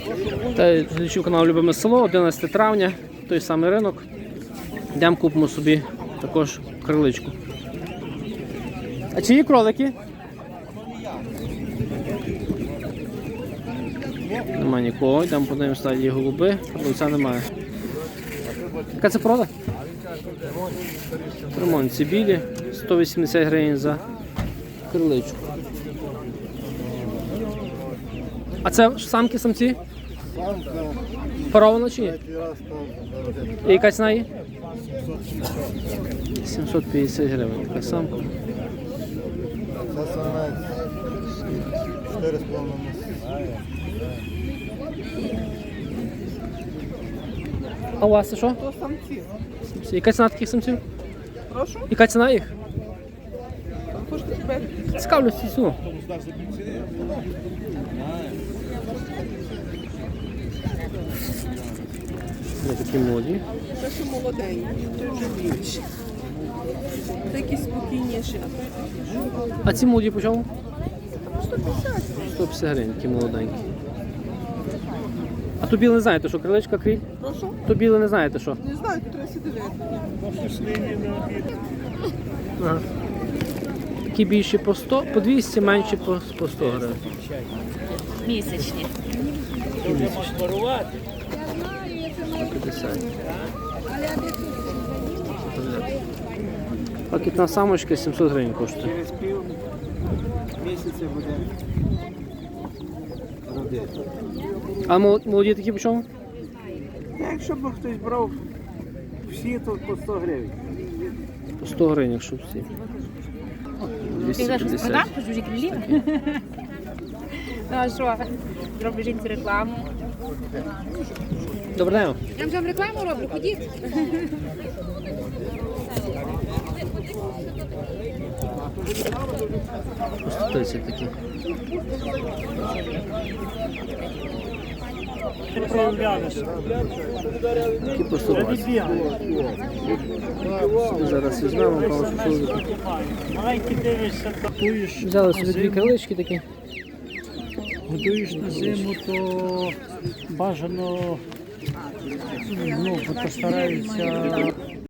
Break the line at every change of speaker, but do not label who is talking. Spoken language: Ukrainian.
Та глядачів каналу Любиме село, 11 травня, той самий ринок. Йдемо купимо собі також криличку. А чиї кролики? Нема нікого, йдемо подивимося, стадії голуби, продавця немає. Яка це порода? Ремонт білі, 180 гривень за криличку. А це самки, самці? Паровано чи ні? І яка ціна є? 750 гривень, така самка.
Це самець 4,5 місяці.
А у вас це що?
То самці.
Самці. Яка ціна таких самців?
Прошу?
Яка ціна їх?
Хочете тебе?
Цікавлюсь ціну. Ось такі молоді.
Це що молоденькі, той вже більше. Такі спокійніші, а той такий.
А ці молоді по чому?
150.
150 гривень, такі молоденькі. А то біле не знаєте, що криличка криль?
Прошу?
То біле не знаєте, що?
Не знаю, тут треба сидіти.
Ага. Такі більші по 100, по 200, менші по 100 гривень.
Місячні.
Такі місячні. 150. Пакетна самочка 700 гривень коштує.
Через пів місяця буде родити.
А молоді такі по чому?
Якщо б хтось брав всі, то по 100 гривень.
По 100 гривень, якщо всі.
Ти зараз
250.
продав по чужі крилі? Ну а що? Зроблю жінці рекламу.
Добрий день.
Я вам рекламу роблю, ходіть.
По 130 такі. Такі по 120. Зараз візьмемо, кого чоловіка. Взяли собі дві крилички такі.
Годуєш на зиму, то бажано, ну, постараються